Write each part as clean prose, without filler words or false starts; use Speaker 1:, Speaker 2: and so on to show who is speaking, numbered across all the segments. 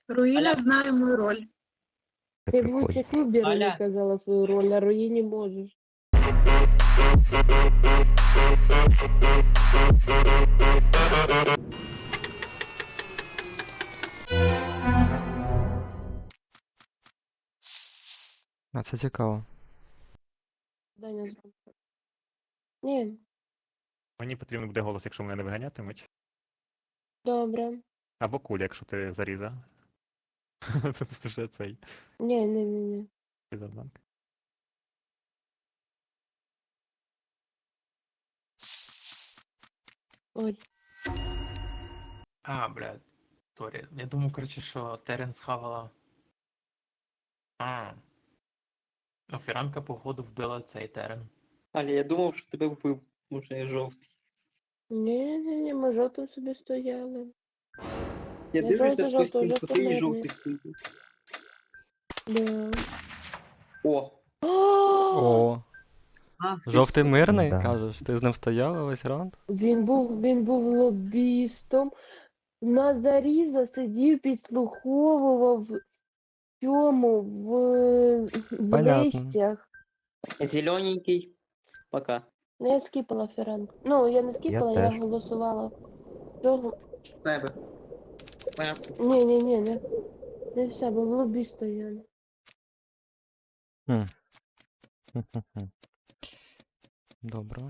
Speaker 1: Руїна
Speaker 2: Аля.
Speaker 1: знає мою роль.
Speaker 3: Ти б лучше Куберу не
Speaker 2: Аля.
Speaker 3: казала свою роль, а Руїні можеш.
Speaker 4: А це цікаво.
Speaker 3: Даня зробив. Ні,
Speaker 5: Мені потрібен буде голос, якщо мене не виганятимуть.
Speaker 3: добре.
Speaker 5: Або куля, якщо ти заріза. Це вже цей
Speaker 3: Ні.
Speaker 5: завданк.
Speaker 3: Ой.
Speaker 6: А, блядь, сорі. Я думав, коротше, що Терен схавала. Фіранка, походу, вбила цей Терен.
Speaker 2: Аля, я думав, що тебе вбив. Може, я жовтий.
Speaker 3: Ні, ми жовтим собі стояли.
Speaker 2: Я
Speaker 3: Я
Speaker 2: дивлюся з
Speaker 3: жовтий,
Speaker 2: костюм,
Speaker 3: жовтий,
Speaker 2: ти і
Speaker 3: жовтий.
Speaker 2: жовтий стоїть.
Speaker 3: Да.
Speaker 2: О!
Speaker 4: О,
Speaker 2: Ах, ти
Speaker 4: жовтий
Speaker 2: що?
Speaker 4: мирний,
Speaker 3: Да.
Speaker 4: кажеш? Ти з ним стояла весь раунд?
Speaker 3: Він був лобістом. На заріза сидів, підслуховував в цьому, в
Speaker 4: Понятно.
Speaker 3: листях.
Speaker 2: Зелененький. Пока.
Speaker 3: Ну, я скіпала Фіранку. Ну, я не скіпала, я
Speaker 7: теж.
Speaker 3: голосувала. Цього.
Speaker 2: Тебе.
Speaker 3: Ні. Не все, бо в лобі стояли.
Speaker 4: Хм-хм-хм. Добре.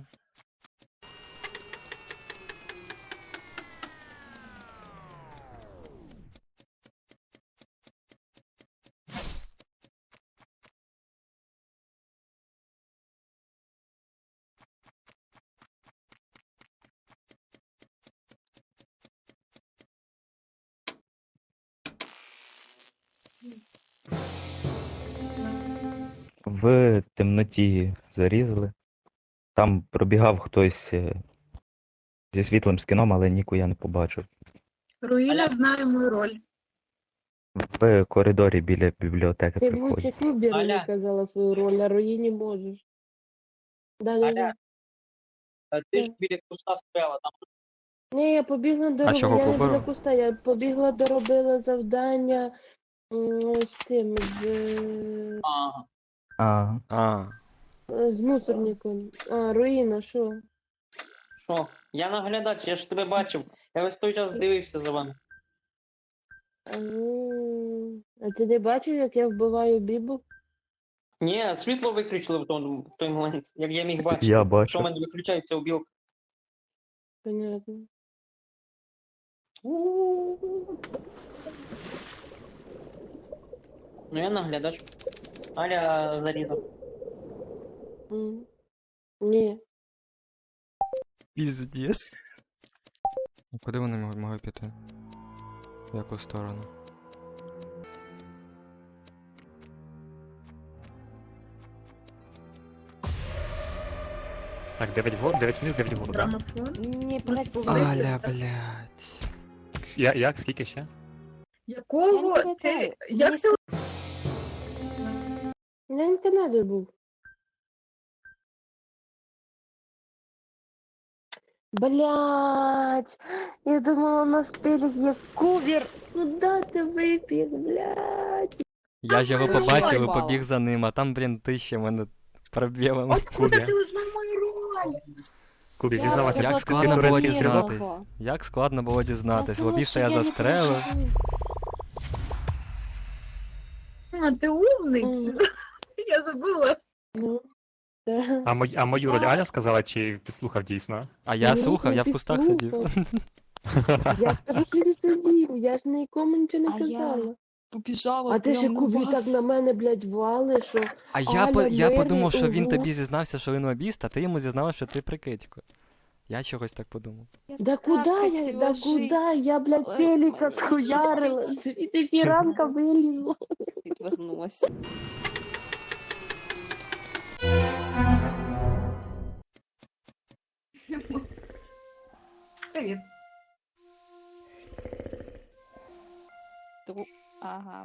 Speaker 7: В темноті зарізали. Там пробігав хтось зі світлим скіном, але ніку я не побачив.
Speaker 1: Руїна
Speaker 2: Аля.
Speaker 1: знає мою роль.
Speaker 7: В коридорі біля бібліотеки
Speaker 3: Ти б
Speaker 7: приходять.
Speaker 3: лучше Куберу не
Speaker 2: Аля.
Speaker 3: казала свою роль, а Руїні можеш. Да.
Speaker 2: Аля. А ти ж біля куста стояла, там
Speaker 3: Ні, я побігла до
Speaker 4: чого
Speaker 3: я не
Speaker 4: Куберу?
Speaker 3: біля куста, я побігла доробила завдання з цим,
Speaker 2: ага.
Speaker 7: А,
Speaker 3: з мусорником. Руїна, що?
Speaker 2: Що? Я наглядач, я ж тебе бачив. Я весь той час дивився за вами.
Speaker 3: А ти не бачив, як я вбиваю Бібу?
Speaker 2: Ні, світло виключили в той момент, як я міг бачити.
Speaker 7: я
Speaker 2: Що в
Speaker 7: бачу.
Speaker 2: мене виключається у білка.
Speaker 3: Понятно.
Speaker 2: Ну я наглядач. Аля зарізав.
Speaker 3: Ні.
Speaker 4: Піздець. Куди вони могли піти? В яку сторону?
Speaker 5: Так, 9 вгору, 9 вниз, 9 вгору, так?
Speaker 1: Грамофон.
Speaker 8: Не працює.
Speaker 1: Повисить.
Speaker 4: Аля, блядь.
Speaker 5: Як? Скільки ще?
Speaker 1: Якого?
Speaker 8: Я не пам'ятаю.
Speaker 1: Як
Speaker 8: Мені
Speaker 1: ти
Speaker 3: Я не Канаді був. Блять, я думала, на спелях є Кубер. Куда ти вибіг, блять?
Speaker 4: Я ж його
Speaker 1: Ой,
Speaker 4: побачив і
Speaker 8: упала.
Speaker 4: побіг за ним, а там, блін, ти ще мене пробілами.
Speaker 1: Откуда
Speaker 5: Кубі.
Speaker 1: ти узнав мою роль?
Speaker 5: Кубі,
Speaker 8: Я
Speaker 5: зізнавайся,
Speaker 4: Як
Speaker 8: була
Speaker 4: складно
Speaker 5: турець
Speaker 4: було
Speaker 5: зіграв?
Speaker 4: дізнатись. Як складно було дізнатись. Лобіста я застрелив.
Speaker 1: Ти умний.
Speaker 3: Мгм.
Speaker 1: Я забула.
Speaker 3: Ну, да.
Speaker 5: А мою роль Аля сказала, чи підслухав дійсно?
Speaker 4: А я
Speaker 3: Ні,
Speaker 4: слухав,
Speaker 3: не
Speaker 4: я в кустах сидів.
Speaker 3: підслухав. Я скажу, що він сидів, я ж нікому нічого не
Speaker 8: А я
Speaker 3: казала.
Speaker 8: Побіжала
Speaker 3: А ти ще
Speaker 8: прямо на
Speaker 3: Кубі
Speaker 8: вас.
Speaker 3: так на мене, блядь, вали, що...
Speaker 4: А
Speaker 3: Аля,
Speaker 4: я подумав,
Speaker 3: мирний,
Speaker 4: що він
Speaker 3: ого.
Speaker 4: тобі зізнався, що він лобіст, а ти йому зізнався, що ти прикидько. Я чогось так подумав.
Speaker 8: Я
Speaker 3: Да
Speaker 8: так
Speaker 3: куда я,
Speaker 8: хотіла
Speaker 3: да
Speaker 8: жить.
Speaker 3: куда? Я, блядь,
Speaker 8: Але
Speaker 3: телека
Speaker 8: мене
Speaker 3: схуярила,
Speaker 8: щастить.
Speaker 3: і фіранка вилізла.
Speaker 8: Відвернулася.
Speaker 1: Привіт.
Speaker 8: Ага.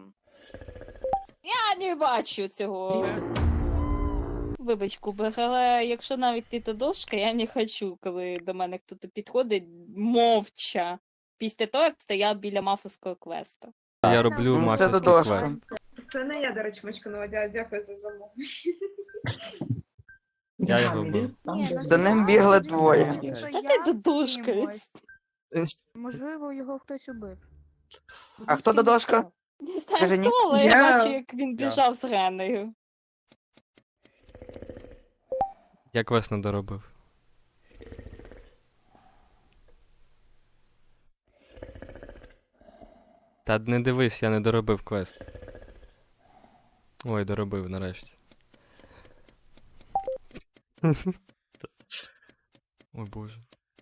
Speaker 8: Я не бачу цього. Вибач, Кубик, але якщо навіть ти та дошка, я не хочу, коли до мене хтось підходить мовча. Після того, як стояв біля мафовського квесту.
Speaker 4: Я роблю
Speaker 9: Це
Speaker 4: мафівський
Speaker 9: додошка.
Speaker 4: квест.
Speaker 1: Це не я, до речі, мочканова, дякую за замовлення.
Speaker 4: Я його вбив.
Speaker 9: За ним бігли двоє.
Speaker 8: Та ти додушкаєць.
Speaker 3: Можливо, його хтось убив.
Speaker 9: А хто додошка?
Speaker 8: Не знаю
Speaker 9: Каже, ні.
Speaker 8: хто, але я
Speaker 1: Я-
Speaker 8: бачу, як він біжав з Реною.
Speaker 4: Я квест не доробив. Та не дивись, я не доробив квест. Ой, доробив нарешті. Ой боже.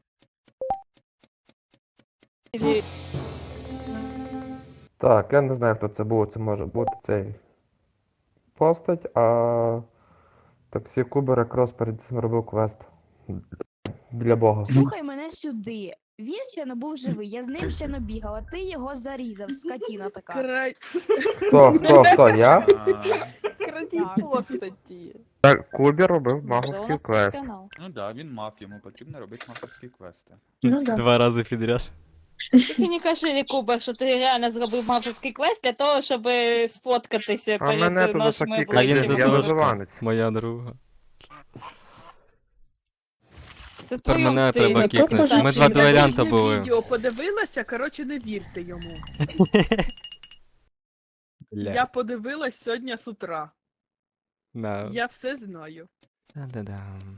Speaker 8: Ілі-
Speaker 10: Так, я не знаю, хто це був. Це може бути цей постать, а таксі Кубер якраз перед цим робив квест. Біля Бога.
Speaker 3: Слухай мене сюди. Він ще не був живий, я з ним ще не бігала, ти його зарізав, скотіна така.
Speaker 10: Хто? Я?
Speaker 8: Крадіть постаті.
Speaker 10: Так, Кубер робив
Speaker 8: Вже у
Speaker 10: маговський
Speaker 8: нас
Speaker 10: квест.
Speaker 8: професіонал.
Speaker 11: Ну да, він мав, йому потрібно робити мафовські квести.
Speaker 1: Ну, да.
Speaker 4: 2 рази підряд.
Speaker 8: Тільки не кажи, Кубер, що ти реально зробив мафовський квест для того, щоб сфоткатися
Speaker 10: А мене
Speaker 8: перед
Speaker 10: тут
Speaker 8: нашими
Speaker 10: такі
Speaker 4: А він
Speaker 8: обличчями.
Speaker 10: я
Speaker 4: додошка.
Speaker 10: виживанець.
Speaker 4: Моя друга.
Speaker 8: Це в
Speaker 4: Тепер
Speaker 8: твоєму
Speaker 4: мене
Speaker 8: стилі.
Speaker 4: треба кікнути. Ми два дуелянта були.
Speaker 12: Відео подивилася, коротше, не вірте йому. Я
Speaker 4: Бля.
Speaker 12: подивилась сьогодні з утра.
Speaker 4: Да.
Speaker 12: Я все знаю.
Speaker 4: Да-да-дам.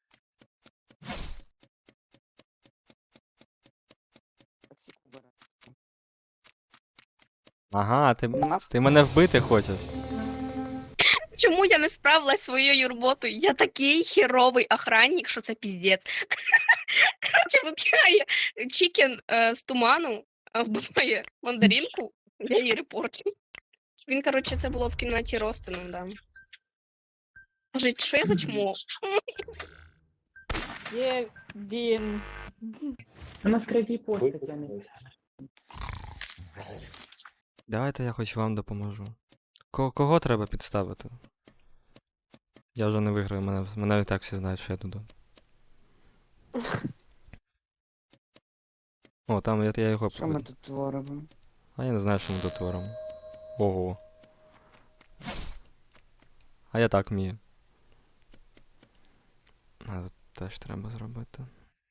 Speaker 4: Ага, ти мене вбити хочеш?
Speaker 3: Чому я не справилась своєю роботою? Я такий херовий охранник, що це піздець. Коротше, вибігає Чікен з туману, вбиває мандаринку, я її репорчу. Він, коротше, це було в кімнаті Ростину, да. Боже, що я за чмо?
Speaker 8: Є він.
Speaker 2: У нас крадій постать, я не.
Speaker 4: Давайте я хоч вам допоможу. Кого треба підставити? Я вже не виграю, мене і так всі знають, що я туди. О, там я його
Speaker 9: Що ми тут творимо?
Speaker 4: А я не знаю, що ми тут творимо. Ого. А я так вмію. А тут теж треба зробити.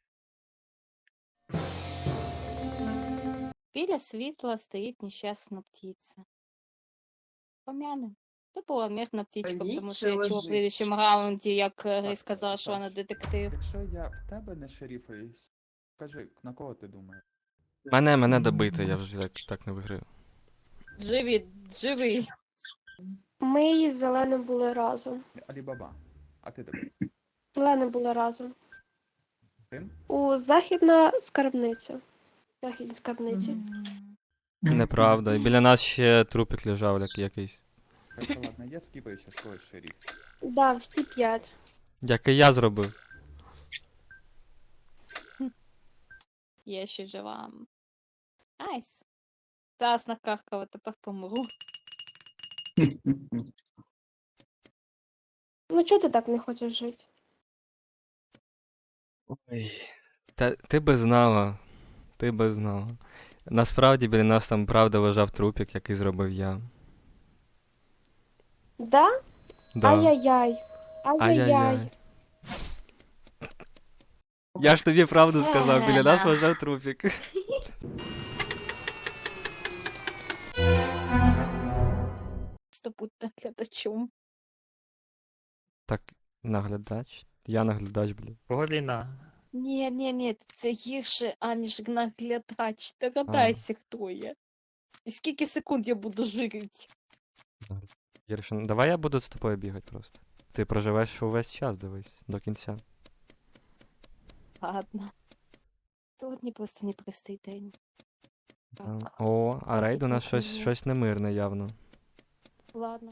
Speaker 8: Біля світла стоїть нещасна птиця. Пом'яне. Це була мирна птичка, тому що я чула в
Speaker 1: лежить.
Speaker 8: предыдущому раунді, як Рей сказала, що вона детектив.
Speaker 11: Якщо я в тебе не шерифаюсь, скажи, на кого ти думаєш?
Speaker 4: Мене добити, я вже так не виграю.
Speaker 8: Живий.
Speaker 3: Ми з Зеленим були разом.
Speaker 11: Алібаба. А ти тебе?
Speaker 3: Зеленим були разом.
Speaker 11: Тим?
Speaker 3: У західна скарбниця. Західній скарбниці.
Speaker 4: Неправда. І біля нас ще трупик лежав якийсь.
Speaker 11: Хорошо, ладно, я скіпаю ще свій шериф.
Speaker 3: Да, всі 5.
Speaker 4: Який я зробив.
Speaker 8: Я ще жива. Айс. Зараз накаркала, тепер помру.
Speaker 3: Ну чого ти так не хочеш жити?
Speaker 4: Ой. Та ти би знала. Ти би знала. Насправді біля нас там правда лежав трупик, який зробив я.
Speaker 3: Да?
Speaker 4: Да.
Speaker 3: Ай-яй-яй. Ай-яй-яй.
Speaker 4: Ай-яй-яй. Я ж тобі правду сказав, біля нас лежав трупик.
Speaker 8: Бути наглядачом.
Speaker 4: Так, наглядач? Я наглядач, блін.
Speaker 5: Кого війна?
Speaker 8: Ні, це гірше, аніж наглядач. Догадайся, хто я. І скільки секунд я буду жити?
Speaker 4: Єршин, давай я буду з тобою бігати просто. Ти проживеш увесь час, дивись, до кінця.
Speaker 8: Ладно. Сьогодні просто непростий день. Так,
Speaker 4: О, а рейд у нас щось немирне явно.
Speaker 8: ладно.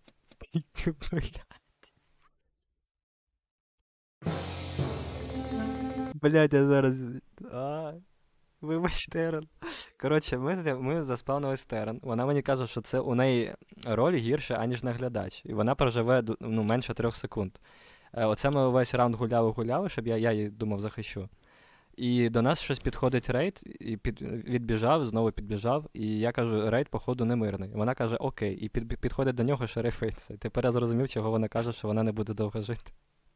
Speaker 4: Блять, я зараз. Вибач, Терен. Коротше, ми заспавнили Терен. Вона мені каже, що це у неї роль гірша, аніж наглядач. І вона проживе менше 3 секунд. Оце ми весь раунд гуляли, щоб я її думав захищу. І до нас щось підходить рейд, і відбіжав, знову підбіжав, і я кажу, рейд, походу, немирний. Вона каже, окей, і підходить до нього шерифиться. Тепер я зрозумів, чого вона каже, що вона не буде довго жити.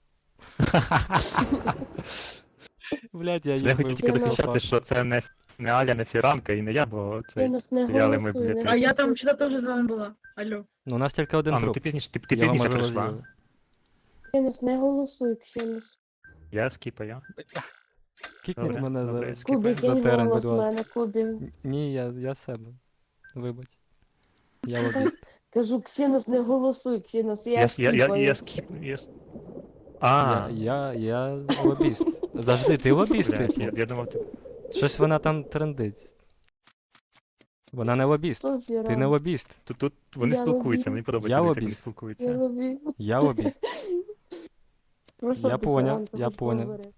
Speaker 4: Блядь, я
Speaker 5: Я
Speaker 4: їх
Speaker 5: хотів тільки захищати, що це не Аля, не Фіранка і не я, бо це стояли ми, блядь.
Speaker 1: А я там вчора теж з вами була. Алло.
Speaker 4: Ну, у нас тільки один
Speaker 5: А, ну
Speaker 4: труп.
Speaker 5: ти пізніше, ти
Speaker 4: Його
Speaker 5: пізніше
Speaker 4: можливо
Speaker 5: прийшла.
Speaker 4: з'їли.
Speaker 13: Ксенос, не голосуй, Ксенос.
Speaker 5: Я скіпаю.
Speaker 4: Кікніть
Speaker 5: Добре,
Speaker 4: мене
Speaker 5: добре,
Speaker 4: за...
Speaker 13: Кубі,
Speaker 5: скіпаю.
Speaker 13: кинь
Speaker 4: терен,
Speaker 13: голос
Speaker 4: будь
Speaker 13: в
Speaker 4: ласка.
Speaker 13: мене, Кубі.
Speaker 4: Ні, я себе. Вибач. Я лобіст.
Speaker 13: Кажу, Ксенос, не голосуй, Ксенос, я
Speaker 5: Я
Speaker 13: скіпаю.
Speaker 5: скіпаю. А,
Speaker 4: Я лобіст. Завжди, ти лобіст,
Speaker 5: блядь,
Speaker 4: типу.
Speaker 5: я думав, ти...
Speaker 4: Щось вона там трендить. Вона не лобіст.
Speaker 13: Хто
Speaker 4: Ти не
Speaker 13: Фіранка?
Speaker 4: лобіст.
Speaker 5: Тут вони
Speaker 13: Я
Speaker 5: спілкуються,
Speaker 13: лобіст.
Speaker 5: мені
Speaker 4: Я
Speaker 5: подобається, дивіться, як вони
Speaker 4: лобіст.
Speaker 13: Я
Speaker 5: спілкуються.
Speaker 13: люблю.
Speaker 4: Я лобіст.
Speaker 13: Про що
Speaker 4: Я
Speaker 13: ти,
Speaker 4: поняв,
Speaker 13: Фіранка,
Speaker 4: я
Speaker 13: хоч
Speaker 4: поняв.
Speaker 13: поговори?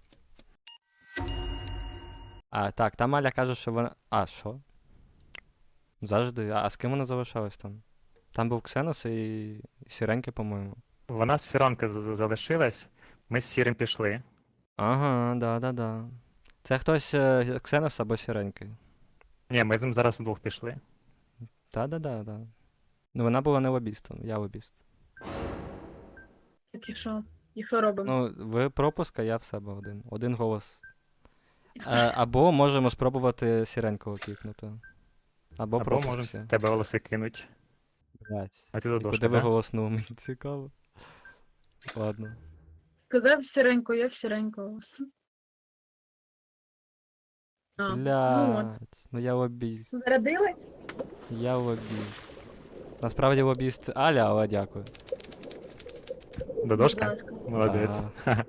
Speaker 4: А, так, там Аля каже, що вона... А, що? Завжди. А з ким вона залишалась там? Там був Ксенос і Сіреньки, по-моєму.
Speaker 5: Вона з Фіранка залишилась, ми з Сірим пішли.
Speaker 4: Ага, да. Це хтось Ксенос або Сіреньки.
Speaker 5: Ні, ми з ним зараз вдвох пішли.
Speaker 4: Да. Ну вона була не лобістом, я лобіст.
Speaker 1: Так і що? І що робимо?
Speaker 4: Ну, ви пропуск, а я в себе один. Один голос. Або можемо спробувати Сіренького кікнути. Або
Speaker 5: Або
Speaker 4: пропуск
Speaker 5: можемо
Speaker 4: всі.
Speaker 5: в тебе голоси кинуть.
Speaker 4: Блядь.
Speaker 5: А ти
Speaker 4: І
Speaker 5: задошка,
Speaker 4: куди ви
Speaker 5: да?
Speaker 4: голоснули, мені цікаво. Ладно.
Speaker 1: Казав сіренько, я в сіренького. А, ну от.
Speaker 4: Блядь, ну я лобіст.
Speaker 1: Зарядили?
Speaker 4: Я лобіст. Насправді лобіст Аля, але дякую.
Speaker 5: Додошка?
Speaker 1: Будь ласка.
Speaker 5: Молодець.
Speaker 4: Да.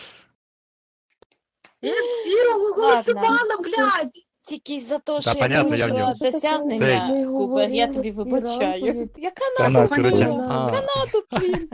Speaker 1: Я в сірого голосувала, блядь!
Speaker 8: Тільки за те,
Speaker 5: Та,
Speaker 8: що я
Speaker 5: понятно, я в
Speaker 8: порушила
Speaker 5: нього.
Speaker 8: досягнення,
Speaker 13: Ми
Speaker 8: Кубер, я
Speaker 13: говорили
Speaker 8: тобі
Speaker 13: з
Speaker 8: вибачаю.
Speaker 13: Фіранкою.
Speaker 8: Я
Speaker 7: Та
Speaker 8: Канаду,
Speaker 7: на, коротше.
Speaker 8: блін.
Speaker 4: А.
Speaker 8: Канаду, блін.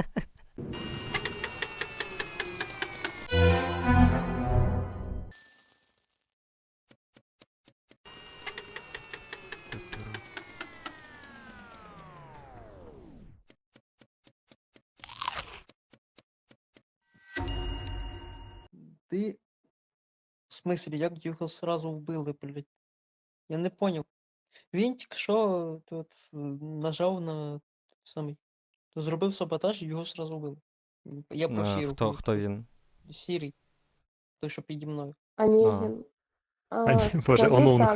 Speaker 2: Ти. В смислі, як його сразу вбили, блядь? Я не поняв. Він тільки що тут нажав на самий. Зробив саботаж і його сразу вбили. Я про Сіру.
Speaker 4: Хто він?
Speaker 2: Сірий. Той, що піді мною.
Speaker 13: Онегін.
Speaker 5: Боже,
Speaker 13: Скажу
Speaker 5: Онунг.
Speaker 13: так,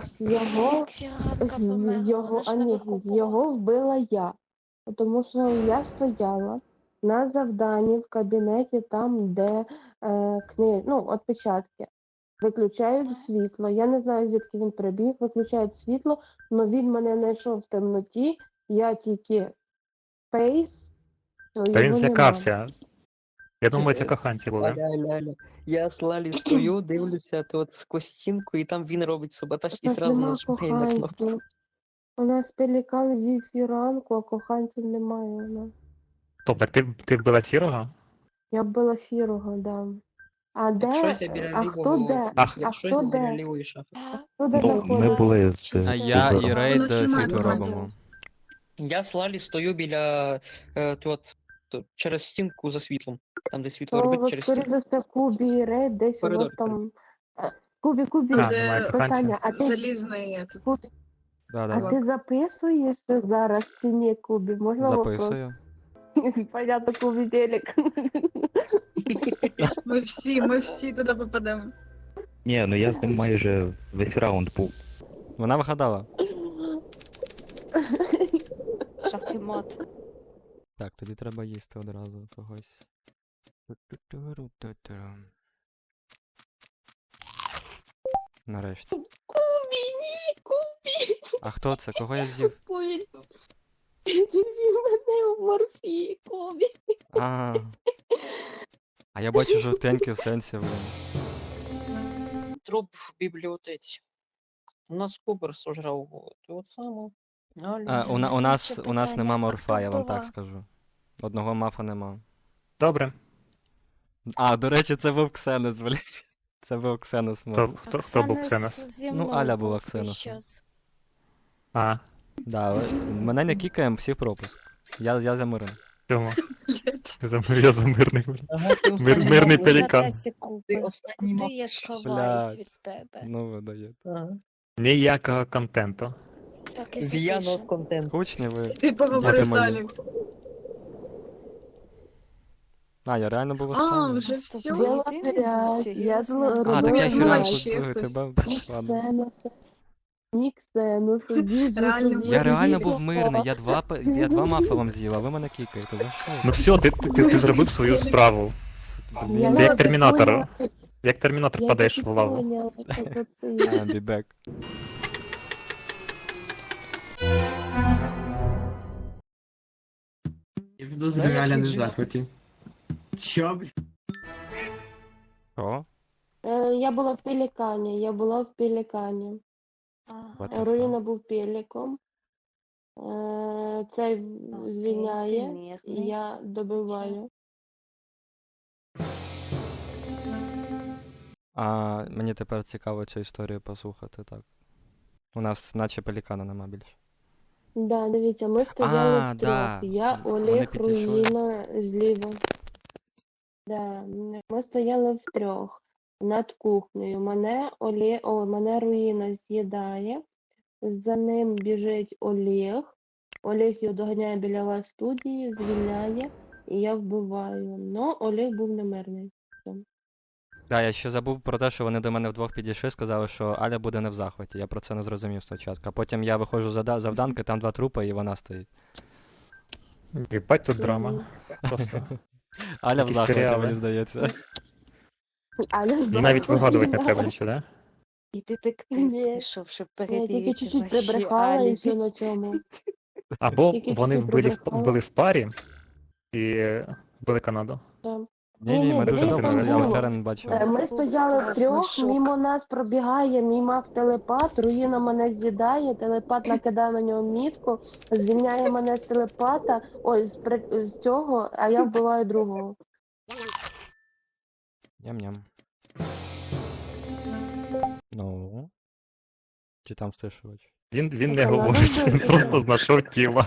Speaker 13: його вбила я. Тому що я стояла на завданні в кабінеті, там, де отпечатки. Виключають світло. Я не знаю, звідки він прибіг, виключають світло, але він мене знайшов в темноті, я тільки фейс, то
Speaker 5: Та він
Speaker 13: його
Speaker 5: злякався. Я думаю, це коханці були.
Speaker 2: Аля. Я з Лалі стою, дивлюся от сквозь стінку, і там він робить саботаж і
Speaker 13: Нас
Speaker 2: зразу
Speaker 13: нема
Speaker 2: нажимає на кнопку.
Speaker 13: коханців. У нас пелікан зі фіранку, а коханців немає у нас.
Speaker 5: Тобто, ти вбила Сірого?
Speaker 13: Я вбила сірого, да. А
Speaker 2: Якщось
Speaker 13: де?
Speaker 2: я біля
Speaker 13: А
Speaker 2: лівого.
Speaker 13: хто де?
Speaker 5: Ах.
Speaker 2: Якщось
Speaker 13: хто
Speaker 2: я біля
Speaker 13: де?
Speaker 2: лівої шафи.
Speaker 13: Хто де
Speaker 7: Ну, ми
Speaker 13: знаходиться?
Speaker 7: були з
Speaker 4: А я і
Speaker 7: Кубером.
Speaker 4: рейд
Speaker 1: Воно ж
Speaker 4: світло
Speaker 1: немає
Speaker 4: робимо.
Speaker 2: Я з Лалі стою біля через стінку за світлом. Там, де світло
Speaker 13: То,
Speaker 2: робить
Speaker 13: от,
Speaker 2: через
Speaker 13: скоріше
Speaker 2: стінку.
Speaker 13: за все, Кубі і Рейд десь у вас
Speaker 2: Коридор,
Speaker 13: там... Кубі,
Speaker 5: А, немає коханця.
Speaker 13: питання, а ти,
Speaker 1: Залізний.
Speaker 13: Кубі, а
Speaker 4: Да.
Speaker 13: ти записуєш зараз чи ні, Кубі? Можна вопрос?
Speaker 4: Записую.
Speaker 13: Понятно, Кубі телек.
Speaker 1: Ми всі туди попадемо.
Speaker 7: Ні, ну я з ним майже весь раунд був.
Speaker 4: Вона вгадала.
Speaker 8: Шахімат.
Speaker 4: Так, тоді треба їсти одразу когось. Нарешті.
Speaker 13: Кубі, ні, Кубі.
Speaker 4: А хто це? Кого я з'їв?
Speaker 13: Кубі. Ти з'їв мене в морфії, Кубі.
Speaker 4: А я бачу жовтенький в сенсі, блин.
Speaker 2: Труп в бібліотеці. У нас Кубер сожрав от саму.
Speaker 4: У нас нема морфа, я вам так скажу. Одного мафа нема.
Speaker 5: Добре.
Speaker 4: А, до речі, це був Ксенос, блін. Це був Ксенос, може.
Speaker 5: Хто був Ксенос?
Speaker 4: Ну, Аля була Ксеносом.
Speaker 5: А,
Speaker 4: Да, мене не кікаємо, всі пропуск. Я за миром.
Speaker 5: чому? Я за мирний.
Speaker 2: Ага, ти
Speaker 5: Мирний
Speaker 2: останній
Speaker 5: пелікан.
Speaker 2: Ти останній
Speaker 8: Куди
Speaker 2: мав.
Speaker 8: я сховаюсь
Speaker 4: Блядь.
Speaker 8: від тебе?
Speaker 4: Ну, ви даєте.
Speaker 2: Ага.
Speaker 5: Ніякого контенту.
Speaker 8: Так і
Speaker 2: Віяно
Speaker 8: запишемо.
Speaker 2: от контент.
Speaker 4: Скучні ви.
Speaker 1: Ти поговори з
Speaker 4: мої.
Speaker 1: Алік.
Speaker 4: А, я реально був
Speaker 1: А,
Speaker 4: останній.
Speaker 1: вже все.
Speaker 13: Була
Speaker 8: Ти не був
Speaker 13: п'ять, я
Speaker 8: серйозно?
Speaker 4: А, так я
Speaker 1: Ну,
Speaker 4: хіранку
Speaker 1: ще хтось.
Speaker 4: тебе. Ладно.
Speaker 13: Ніксену, що біжу,
Speaker 1: Реально
Speaker 13: що
Speaker 1: був.
Speaker 4: Я
Speaker 13: біжу,
Speaker 4: реально
Speaker 13: біжу.
Speaker 4: був мирний, я два мафа вам з'їв, а ви мене кікаєте, за що?
Speaker 5: Ну все, ти зробив свою справу.
Speaker 13: Я
Speaker 5: Ти як
Speaker 13: так
Speaker 5: термінатор.
Speaker 13: поняла,
Speaker 5: Як термінатор
Speaker 13: я
Speaker 5: падаєш
Speaker 13: так
Speaker 5: в лаву.
Speaker 13: поняла, що ти.
Speaker 4: I'll be back.
Speaker 6: Я підозрюю, Аля не в захваті. Що, бля?
Speaker 4: О,
Speaker 13: Я була в Пелікані, я була в Пелікані.
Speaker 4: what the
Speaker 13: Руїна
Speaker 4: fuck?
Speaker 13: був пеліком. Цей звільняє,
Speaker 8: мирний.
Speaker 13: і я добиваю.
Speaker 4: А мені тепер цікаво цю історію послухати, так. У нас наче пелікана нема більше.
Speaker 13: Да, дивіться, ми стояли
Speaker 4: А,
Speaker 13: втрьох.
Speaker 4: да.
Speaker 13: Я,
Speaker 4: Вони
Speaker 13: Олег,
Speaker 4: підійшли.
Speaker 13: Руїна зліва. Да, ми стояли втрьох над кухнею. Мене Руїна з'їдає. За ним біжить Олег. Олег його доганяє біля вас студії, звільняє, і я вбиваю. Но Олег був немирний.
Speaker 4: Да, я ще забув про те, що вони до мене вдвох підійшли, сказали, що Аля буде не в захваті. Я про це не зрозумів спочатку. А потім я виходжу з завданки, там два трупи, і вона стоїть.
Speaker 5: Єбать тут драма. Просто.
Speaker 4: Аля в
Speaker 5: Якісь
Speaker 4: захваті,
Speaker 5: серіали.
Speaker 4: мені здається.
Speaker 13: Але
Speaker 5: І навіть вигадувати не треба нічого, да?
Speaker 8: І детектив
Speaker 13: Ні.
Speaker 8: прийшов, щоб
Speaker 13: Я тільки
Speaker 8: перевірити
Speaker 13: чуть-чуть
Speaker 8: ваші
Speaker 13: прибрехала і
Speaker 8: алібі.
Speaker 13: все на цьому.
Speaker 5: Або
Speaker 13: Тільки
Speaker 5: вони
Speaker 13: чуть-чуть
Speaker 5: були
Speaker 13: прибрехала.
Speaker 5: в парі і були Канаду.
Speaker 13: Там.
Speaker 4: Ні, ми дуже
Speaker 13: дивіться,
Speaker 4: довго
Speaker 5: там
Speaker 4: стояли,
Speaker 5: було.
Speaker 4: Терен бачив.
Speaker 13: Ми стояли
Speaker 8: Страшний
Speaker 13: втрьох,
Speaker 8: шок.
Speaker 13: мімо нас пробігає, мій мав телепат, Руїна мене з'їдає, телепат накидає на нього мітку, звільняє мене з телепата, ой, з цього, а я вбиваю другого.
Speaker 4: Ням-ням. Ну. Чи там стишувач?
Speaker 5: Він не
Speaker 13: Канаду
Speaker 5: говорить, він
Speaker 13: вбив?
Speaker 5: просто знайшов тіло.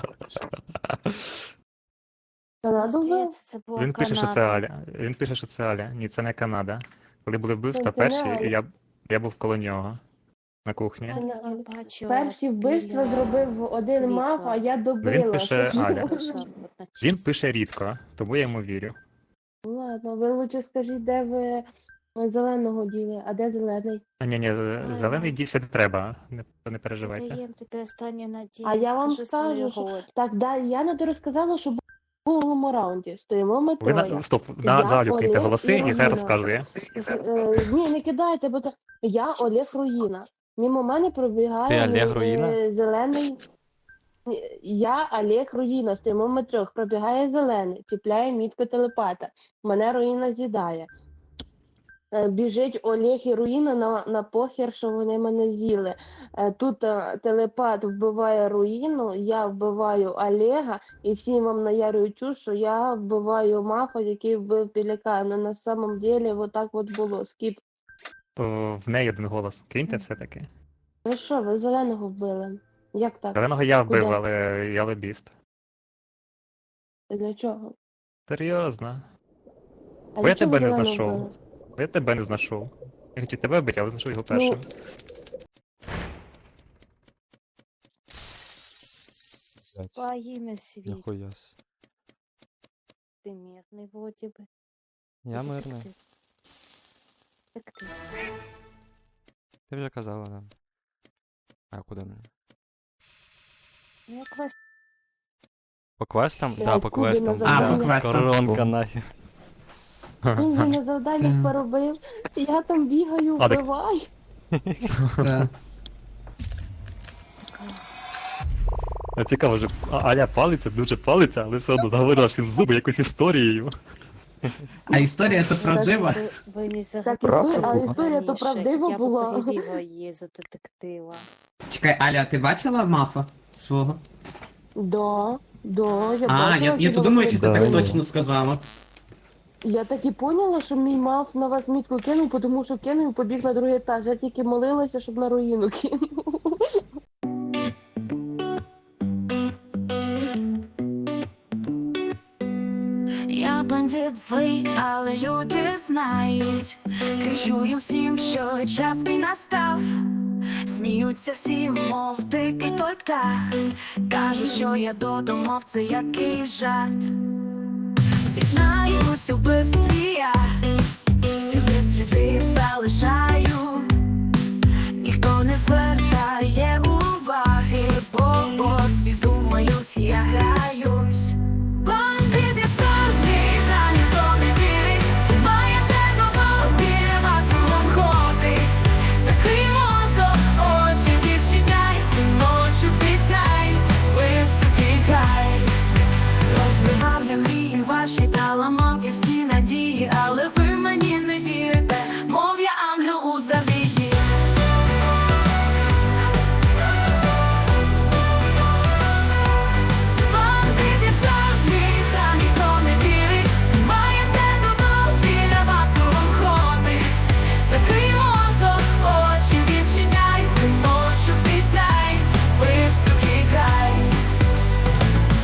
Speaker 13: Канаду вбив?
Speaker 8: Здається, це була
Speaker 5: Він пише, що це
Speaker 8: Канада.
Speaker 5: Аля. Він пише, що це Аля. Ні, це не Канада. Коли були вбивства
Speaker 13: Це не
Speaker 5: перші,
Speaker 13: Аля.
Speaker 5: я був коло нього на кухні.
Speaker 8: Я не бачила
Speaker 13: Перші вбивства
Speaker 8: біля
Speaker 13: зробив один
Speaker 8: світла.
Speaker 13: мав, а я добила.
Speaker 5: Він пише
Speaker 13: Що ж
Speaker 5: Аля.
Speaker 13: ви?
Speaker 8: Пише
Speaker 5: Він
Speaker 8: одночасно.
Speaker 5: пише рідко, тому я йому вірю.
Speaker 13: Ну ладно, ви лучше скажіть, де ви зеленого діли, а де зелений?
Speaker 5: Ні, зелений дівся не треба, не переживайте.
Speaker 8: Даєм тобі останню надію.
Speaker 13: А я вам
Speaker 8: Скажи свою
Speaker 13: скажу, що
Speaker 8: роль.
Speaker 13: так, да, я не розказала, що був у минулому раунді. Стоїмо ми
Speaker 5: Ви
Speaker 13: троє.
Speaker 5: на стоп,
Speaker 13: Я,
Speaker 5: за Алю киньте
Speaker 13: Олег
Speaker 5: голоси,
Speaker 13: і
Speaker 5: і хай
Speaker 13: Руїна.
Speaker 5: розказує.
Speaker 13: Ні, не кидайте, бо це я
Speaker 8: Чому
Speaker 13: Олег
Speaker 8: слухати?
Speaker 13: Руїна. Мимо мене пробігає
Speaker 4: Ти Олег Руїна?
Speaker 13: зелений. Я Олег Руїна, стоїмо ми трьох, пробігає зелений, чіпляє мітку телепата. Мене Руїна з'їдає. Біжить Олег і Руїна на похер, що вони мене з'їли. Тут телепат вбиває Руїну, я вбиваю Олега, і всі вам наярюють чуш, що я вбиваю мафа, який вбив пелікана. На самом деле, вот так от було. Скіп.
Speaker 5: В неї один голос. Киньте все-таки.
Speaker 13: Ви що, ви зеленого вбили? Як так?
Speaker 5: Зеленого я вбив,
Speaker 13: Куди?
Speaker 5: але я лобіст.
Speaker 13: Для чого?
Speaker 5: Серйозно.
Speaker 13: А
Speaker 5: Бо я
Speaker 13: для чого
Speaker 5: тебе не
Speaker 13: зеленого
Speaker 5: знайшов.
Speaker 13: вбили?
Speaker 5: Бо я тебе не знайшов. Я хотів тебе вбити, але знайшов його першим.
Speaker 8: По ім'я світ.
Speaker 4: Ніхуя.
Speaker 8: Ти мирний, вроді би.
Speaker 4: Я мирний.
Speaker 8: Детектив. Детектив.
Speaker 4: Ти вже казала, да. А куди не?
Speaker 8: Ну, як вас
Speaker 4: По квестам?
Speaker 13: Я
Speaker 4: Да, по
Speaker 13: Кубі на
Speaker 4: квестам.
Speaker 13: завдання.
Speaker 6: А, по квестам.
Speaker 4: Коронка нахер.
Speaker 13: Він же на завданнях
Speaker 6: Це-
Speaker 13: поробив, я там бігаю,
Speaker 5: А, так-
Speaker 13: вбиваю.
Speaker 6: Це
Speaker 8: цікаво.
Speaker 5: А цікаво, що Аля палиться, дуже палиться, але все одно заговорила всім в зуби якусь історією.
Speaker 6: А історія то правдива?
Speaker 8: Ви не
Speaker 13: Так,
Speaker 10: Правда
Speaker 13: історія, а
Speaker 10: була?
Speaker 13: історія то правдива
Speaker 8: Я
Speaker 13: була.
Speaker 8: б перевірила її за детектива.
Speaker 6: Чекай, Аля, ти бачила мафа свого?
Speaker 13: Да, я
Speaker 6: А,
Speaker 13: бачила,
Speaker 6: я
Speaker 13: як
Speaker 6: то
Speaker 13: він
Speaker 6: думаю, чи ти
Speaker 13: виглядає.
Speaker 6: так точно сказала.
Speaker 13: Я так і поняла, що мій мав на вас мітку кинув, тому що кинув і побіг на другий етаж. Я тільки молилася, щоб на руїну кинув.
Speaker 14: Я бандит злий, але люди знають. Кричу їм всім, що час мій настав. Сміються всі, мов дикий той птах. Кажуть, що я додумав, це який жарт. Зізнаюсь у вбивстві я, всюди сліди залишаю.